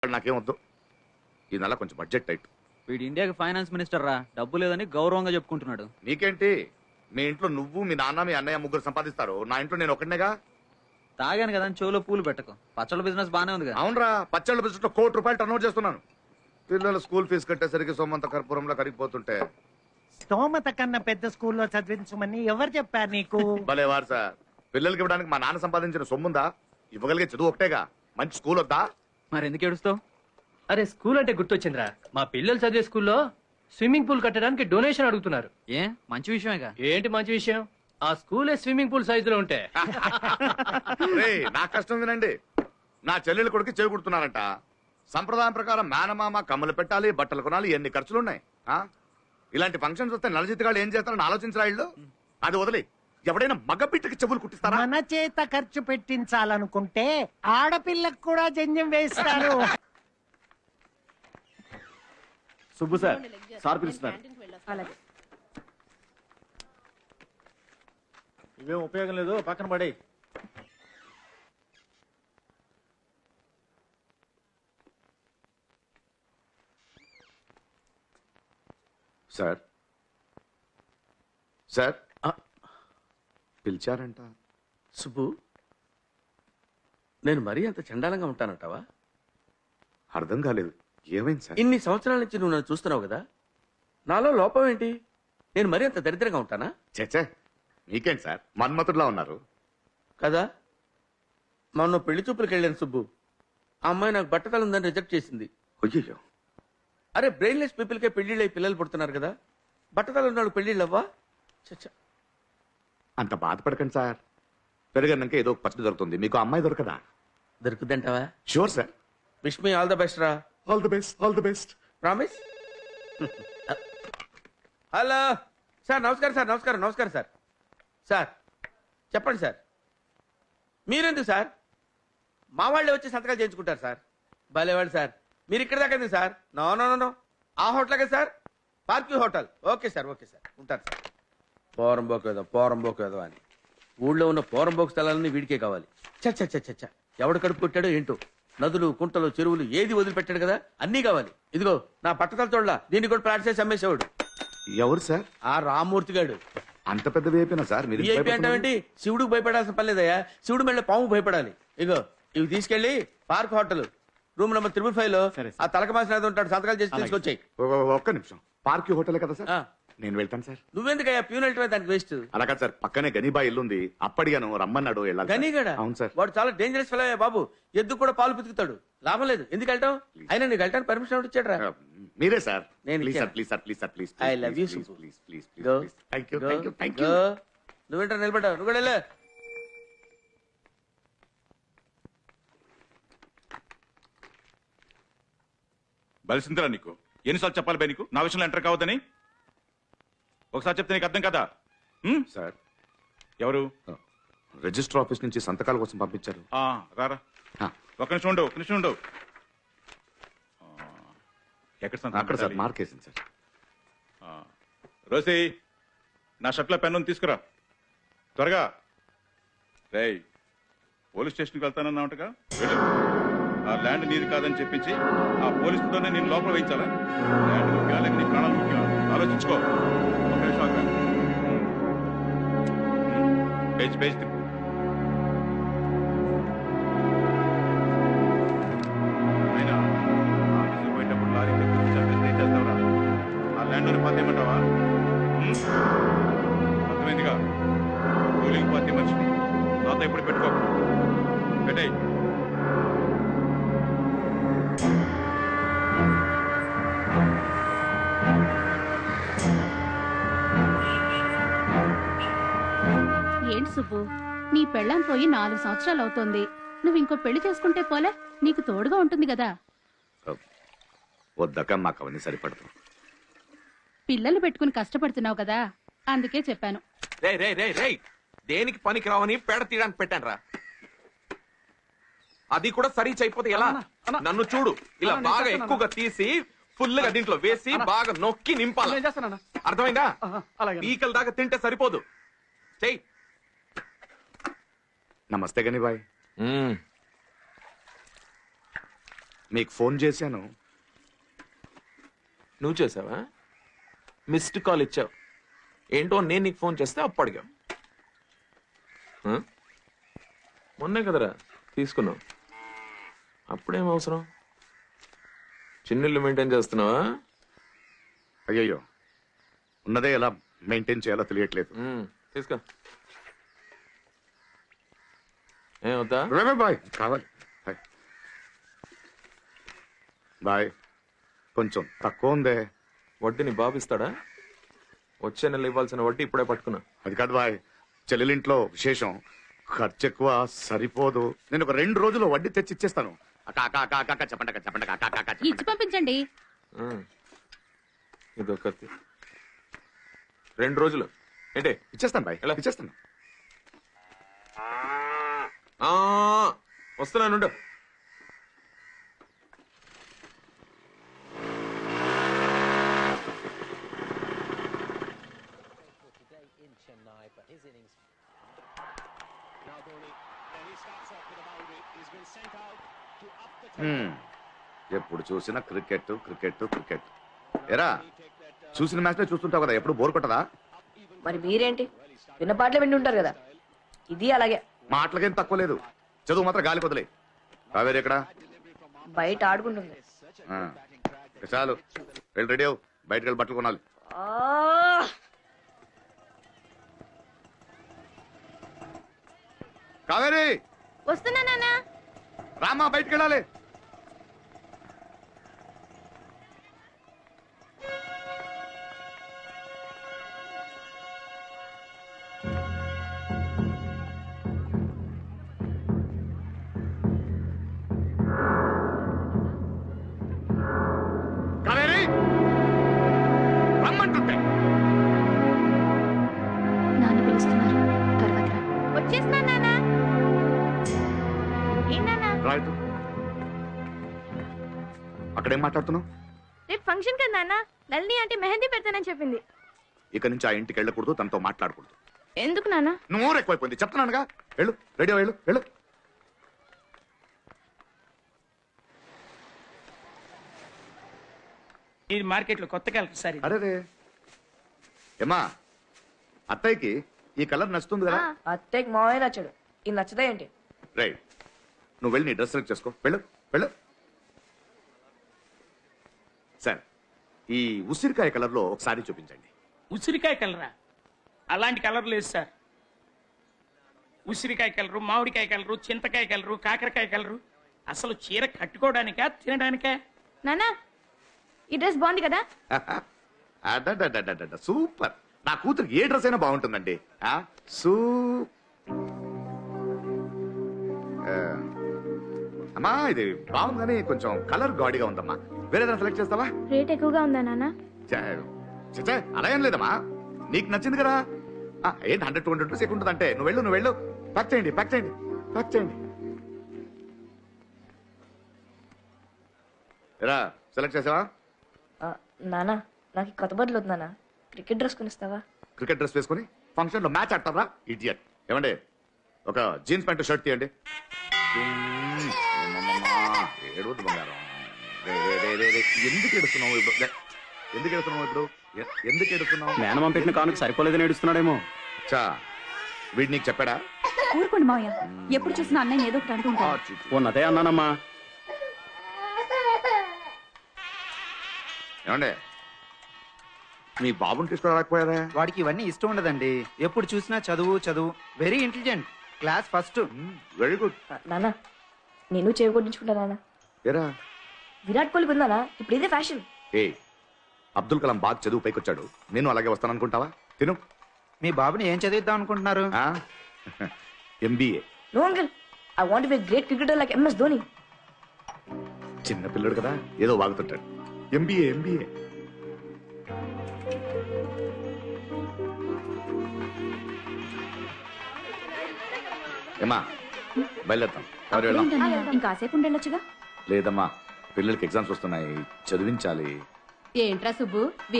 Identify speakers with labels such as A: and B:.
A: నాకేం వద్దు. ఈ నెల కొంచెం బడ్జెట్ టైట్.
B: వీడు ఇండియాకి ఫైనాన్స్ మినిస్టర్ రా, డబ్బు లేదని గౌరవంగా చెప్పుకుంటున్నాడు.
A: నీకేంటి? మీ ఇంట్లో నువ్వు, మీ నాన్న, మీ అన్నయ్య ముగ్గురు సంపాదిస్తారు. నా ఇంట్లో నేను ఒకటినేగా.
B: తాగాను కదా అని చెవులో పూలు పెట్టకు. పచ్చళ్ళ బిజినెస్ బానే ఉంది కదా.
A: అవునరా, పచ్చళ్ళ బిజినెస్ లో ₹1,00,00,000 టర్నోవర్ చేస్తున్నాను. పిల్లల స్కూల్ ఫీజు కట్టేసరికి సొమ్మంత కర్పూరంలో కరిగిపోతుంటే.
C: స్తోమత కన్నా పెద్ద స్కూల్లో చదివించమని ఎవరు చెప్పారు నీకు?
A: భలేవారు సార్. పిల్లలకి ఇవ్వడానికి మా నాన్న సంపాదించిన సొమ్ముందా? ఇవ్వగలిగే చదువు ఒకటేగా. మంచి స్కూల్ వద్దా?
B: మరి ఎందుకు ఏడుస్తావు?
D: అరే స్కూల్ అంటే గుర్తొచ్చిందిరా, మా పిల్లలు చదివే స్కూల్లో స్విమ్మింగ్ పూల్ కట్టడానికి డొనేషన్ అడుగుతున్నారు.
B: ఏ మంచి విషయమేగా.
D: ఏంటి మంచి విషయం? ఆ స్కూలే స్విమ్మింగ్ పూల్ సైజులో ఉంటే.
A: రేయ్, నా కష్టం వినండి. నా చెల్లెలు కొడుకు చేయి కుడుతున్నారంట. సంప్రదాయం ప్రకారం మేనమామ కమ్మలు పెట్టాలి, బట్టలు కొనాలి, ఎన్ని ఖర్చులున్నాయి. ఇలాంటి ఫంక్షన్స్ వస్తే నలజిత్తుగాళ్ళు ఏం చేస్తారని ఆలోచించరా ఇళ్ళు? అది వదిలి ఎవడైనా మగబిడ్డకి చెవులు కుట్టిస్తారా?
C: మన చేత ఖర్చు పెట్టించాలనుకుంటే ఆడపిల్లకు కూడా జంజం వేస్తారు.
E: సుబ్బు సార్, సార్ పిలుస్తున్నారు. ఇవేం ఉపయోగం లేదు, పక్కన పడే.
A: Sir sir పిలిచారంట.
F: సుబ్బు, నేను మరీ అంత చండాలంగా ఉంటానంటావా?
A: అర్థం కాలేదు. ఏమైంది సార్?
F: ఇన్ని సంవత్సరాల నుంచి నువ్వు నన్ను చూస్తున్నావు కదా, నాలో లోపం ఏంటి? నేను మరీ అంత దరిద్రంగా ఉంటానా?
A: చచ్చే, మీకేంటి సార్, మన్మతుడిలా ఉన్నారు
F: కదా. మొన్న పెళ్లి చూపులకు వెళ్ళాను సుబ్బు. ఆ అమ్మాయి నాకు బట్టతలు ఉందని రిజెక్ట్ చేసింది.
A: అయ్యో,
F: అరే బ్రెయిన్లెస్ పీపుల్కే పెళ్లిళ్ళు అయి పిల్లలు పుడుతున్నారు కదా, బట్టతలు ఉన్నాడు పెళ్లిళ్ళు అవ్వా? చచ్చా,
A: అంత బాధపడకండి సార్. పెరిగన్నాక ఏదో ఒక పచ్చడి దొరుకుతుంది. మీకు అమ్మాయి దొరకదా?
F: దొరుకుద్దంటావా?
A: Sure sir.
F: Wish me all the best రా.
A: All the best, all the best.
F: Promise. Hello sir, నమస్కారం సార్. నమస్కారం సార్. సార్ చెప్పండి సార్. మీరెందుకు సార్? మా వాళ్ళే వచ్చి సంతకాలు చేయించుకుంటారు సార్. భలేవాళ్ళు సార్. మీరు ఇక్కడ దాకా ఎందుకు sir? No no no no, ఆ హోటల్ కదా sir, Parkview hotel. Okay sir ఉంటారు సార్. పోరంబోకు ఏదో అని ఊళ్ళో ఉన్న పోరంబోకు స్థలాలన్నీ వీడికే కావాలి. చచ్చ ఎవడు కడుపు కొట్టాడో ఏంటో. నదులు, కుంటలు, చెరువులు ఏది వదిలిపెట్టాడు కదా, అన్నీ కావాలి. ఇదిగో నా పట్టతల తోళ్ళ దీన్ని కూడా ప్లాట్ చేసి అమ్మేసేవాడు.
A: ఎవరు సార్?
F: ఆ రామ్మూర్తి గాడు.
A: అంత పెద్ద వేపినా సార్ మీరు?
F: వీఐపీ అంటావేంటి? శివుడికి భయపడాల్సిన పని లేదయ్యా. శివుడు మెళ్ళ పాము భయపడాలి. ఇగో ఇవి తీసుకెళ్లి పార్క్ హోటల్ రూమ్ నెంబర్ 355 లో ఆ తలక మాసిన ఉంటాడు, సంతకాలు చేసి తీసుకొచ్చాయి.
A: ఒక్క నిమిషం. పార్క్ హోటల్ కదా సార్? నేను వెళ్తాను సార్.
F: నువ్వెందుకయ్యా ప్యూన్ వెళ్ళటమే దానికి వేస్ట్.
A: అలా కాదు సార్, పక్కనే గనీబా ఇల్లుంది, అప్పటిగాను రమ్మన్నాడు.
F: గనీగడా?
A: అవును సార్.
F: వాడు చాలా డేంజరస్ ఫెలో బాబు. ఎద్దు కూడా పాలు పితుకుతాడు. లాభం లేదు. ఎందుకు వెళ్తావు? అయినా నీకు వెళ్ళటానికి పర్మిషన్ ఎవరు ఇచ్చాడు?
A: మీరే సార్.
F: నేను
A: ప్లీజ్
F: ఇచ్చాను.
A: Sir, please sir, please sir, please.
F: I love you,
A: please
F: Subbu.
A: Please please
F: Go.
A: Please. Thank you.
F: నువ్వేంటా నిలబడ్డావు? నువ్వు కూడా వెళ్ళు.
G: బలిసిందిరా నీకు. ఎన్నిసార్లు చెప్పాలి బై నీకు నా విషయంలో ఎంటర్ కావద్దని? ఒకసారి చెప్తే నీకు అర్థం కదా?
A: సార్,
G: ఎవరు?
A: రిజిస్టర్ ఆఫీస్ నుంచి సంతకాల కోసం పంపించారు.
G: రారా. ఒక నిమిషం ఉండు. ఎక్కడ సంతకం
A: అక్కడ సార్,
G: పెట్టాలి?
A: మార్క్ వేసింది సార్.
G: రోసి, నా షర్ట్లో పెన్ను తీసుకురా త్వరగా. రేయ్, పోలీస్ స్టేషన్కి వెళ్తానన్నావుగా, వెళ్ళు. ఆ ల్యాండ్ నీది కాదని చెప్పించి ఆ పోలీసుతోనే నేను లోపల వేయించాలా? ల్యాండ్ ముఖ్యమా లేక నీ ప్రాణాలు ముఖ్యమా? ఆలోచించుకో. ఒక నిమిషం అక్కడ పేజ్ తిప్పు. అయినా ఆఫీసుకు పోయేటప్పుడు లారీ తెప్పించి చంపేస్తే ఏం చేస్తావురా? ఆ ల్యాండ్ పాత ఏమంటావా? అర్థమైందిగా? కూలింగ్ పార్టీ మనిషిని నాతో ఇప్పుడు పెట్టుకో. పెట్టేయ్.
H: ఏంటి సుబ్బు, నీ పెళ్ళాం పోయి 4 సంవత్సరాలు అవుతోంది. నువ్వు ఇంకో పెళ్లి చేసుకుంటే పోలే, నీకు తోడుగా ఉంటుంది కదా.
A: వద్దక మాకు అవన్నీ సరిపడదు.
H: పిల్లలు పెట్టుకుని కష్టపడుతున్నావు కదా, అందుకే చెప్పాను.
I: దేనికి పనికి రావని పేడ తీయడానికి పెట్టాను రా. అది కూడా సరి అయిపోతే ఎలా? నన్ను చూడు, ఇలా బాగా ఎక్కువగా తీసి ఫుల్ గా దీంట్లో వేసి బాగా నొక్కి నింపాలి. అర్థమైందా? పీకల దాకా తింటే సరిపోదు. చెయ్యి.
A: నమస్తే గని బాయ్. మీకు ఫోన్ చేశాను.
I: నువ్వు చేసావా? మిస్డ్ కాల్ ఇచ్చావు. ఏంటో నేను నీకు ఫోన్ చేస్తే అప్పు అడిగావు. ఆ? మొన్నే కదరా తీసుకున్నావు. అప్పుడేం అవసరం? చిన్నిల్లు మెయింటైన్ చేస్తున్నావా?
A: అయ్యయ్యో, ఉన్నదే ఎలా మెయింటైన్ చేయాలో తెలియట్లేదు.
I: తీసుకో. ఏమవుతా?
A: బాయ్ కావాలి. బాయ్. బాయ్, కొంచెం తక్కువ ఉందే.
I: వడ్డీ నీ బాబు ఇస్తాడా? వచ్చే నెల ఇవ్వాల్సిన వడ్డీ ఇప్పుడే పట్టుకున్నా.
A: అది కాదు బాయ్, చెల్లెలింట్లో విశేషం, ఖర్చు ఎక్కువ, సరిపోదు. నేను ఒక 2 రోజుల్లో వడ్డీ తెచ్చి ఇచ్చేస్తాను. చెప్పండి.
H: ఇచ్చి పంపించండి.
I: ఇదొకటి 2 రోజులు ఏంటి?
A: ఇచ్చేస్తాను బాయ్,
I: ఎలా?
A: ఇచ్చేస్తాను.
I: వస్తున్నాను.
A: ఎప్పుడు చూసినా క్రికెట్. ఎరా, చూసిన మ్యాచ్లే చూస్తుంటావు కదా, ఎప్పుడు బోర్ కొట్టదా?
J: మరి మీరేంటి విన్న పాటలు విండి ఉంటారు కదా, ఇది అలాగే.
A: మాటలకేం తక్కువ లేదు, చదువు మాత్రం గాలి కొదలే. కావేరి ఎక్కడ?
J: బయట ఆడుకుంటుంది.
A: చాలు, వెళ్ళి రెడీ అవు, బయటకు వెళ్ళి బట్టలు కొనాలి. కావేరి
H: వస్తున్నా నాన్న.
A: రామా, బయటకు వెళ్ళాలి. కావేరి, రమ్మంటుంటే.
H: నాన్న పిలుస్తున్నారు, తర్వాత రా. వచ్చేస్తున్నా నాన్న. ఏం నాన్న?
A: రైట్, అక్కడేం మాట్లాడుతున్నావు?
H: రేపు ఫంక్షన్ కదా నాన్న, నల్ని అంటే మెహందీ పెడతానని చెప్పింది.
A: ఇక నుంచి ఆ ఇంటికి వెళ్ళకూడదు, తనతో మాట్లాడకూడదు.
H: ఎందుకు నాన్న?
A: నోరు ఎక్కువైపోయింది, చెప్తున్నానుగా. వెళ్ళు, రెడీ వెళ్ళు.
C: ఇది మార్కెట్ లో కొత్తగా సార్.
A: అరే ఏమా, అత్తయ్యకి ఈ కలర్ నచ్చుతుంది కదా?
J: అత్తయ్యకి మావే నచ్చాడు, ఇది నచ్చదా ఏంటి?
A: రైట్, నువ్వు వెళ్ళి నీ డ్రెస్ సెలెక్ట్ చేసుకో. వెళ్ళు. సార్, ఈ ఉసిరికాయ కలర్ లో ఒకసారి చూపించండి.
C: ఉసిరికాయ కలరా? అలాంటి కలర్ లేదు సార్. ఉసిరికాయ కలరు, మామిడికాయ కలరు, చింతకాయ కలరు, కాకరకాయ కలరు. అసలు చీర కట్టుకోవడానికా తినడానికా?
H: నాన్న, ఈ డ్రెస్ బాగుంది కదా?
A: అడడడడడడ, సూపర్. నా కూతురికి ఏ డ్రెస్ అయినా బాగుంటుందండి. అమ్మా, ఇది బాగుంది కానీ కొంచెం కలర్ గాడిగా ఉందమ్మా. వేరేదైనా సెలెక్ట్ చేస్తావా?
H: రేట్ ఎక్కువగా ఉందా నాన్న?
A: చచ్చా, అలా ఏం లేదమ్మా, నీకు నచ్చింది కదా. ఏంటి 100-200 రూపీస్ ఎక్కువ ఉంటుందంటే? నువ్వు వెళ్ళు. ప్యాక్ చేయండి. ఎరా, సెలెక్ట్ చేసావా?
J: నానా, నాకు కొత్త బట్టలు వద్దు నాన్న, క్రికెట్ డ్రెస్ కొనిస్తావా?
A: క్రికెట్ డ్రెస్ వేసుకుని ఫంక్షన్ లో మ్యాచ్ ఆడతారా? ఇడియట్. ఏమండి, ఒక జీన్స్ ప్యాంట్ షర్ట్ తీయండి. ఏడవద్దు బంగారం. ఎందుకు ఏడుస్తున్నావు ఇప్పుడు?
E: మేనమామ పెట్టిన కానుక సరిపోలేదని ఏడుస్తున్నాడేమో.
A: చా, వీడు నీకు చెప్పాడా?
H: ఊరుకోండి మావయ్య, ఎప్పుడు చూసినా అన్నయ్య ఏదో ఒకటి అంటుంటాడు.
E: ఉన్నదే అన్నానమ్మా.
A: ఏమండే, మీ బాబుని తీసుకురాకపోయారా?
B: వాడికి ఇవన్నీ ఇష్టం ఉండదండి, ఎప్పుడు చూసినా చదువు. Very intelligent, class first.
A: Very good.
J: నాన్న, నేను చేకొట్టించుకుంటా నాన్న.
A: ఏరా,
J: విరాట్ కోహ్లీ ఉందానా, ఇప్పుడు ఇదే ఫ్యాషన్.
A: అబ్దుల్ కలాం బాగా చదువు పైకొచ్చాడు, నేను అలాగే వస్తాననుకుంటావా? తిను.
B: మీ బాబుని ఏం చదివిద్దాం అనుకుంటున్నారు?
A: MBA.
J: No uncle, I want be great cricketer like MS Dhoni.
A: చిన్న పిల్లడు కదా, ఏదో వాగుతుంటాడు. MBA. ఏమా, బయలుదేరుతాం. ఎవరు వెళ్దాం?
H: ఇంకాసేపు ఉండొచ్చుగా.
A: లేదమ్మా, పిల్లలకి ఎగ్జామ్స్ వస్తున్నాయి, చదివించాలి.
H: ఏంట్రా సుబ్బు,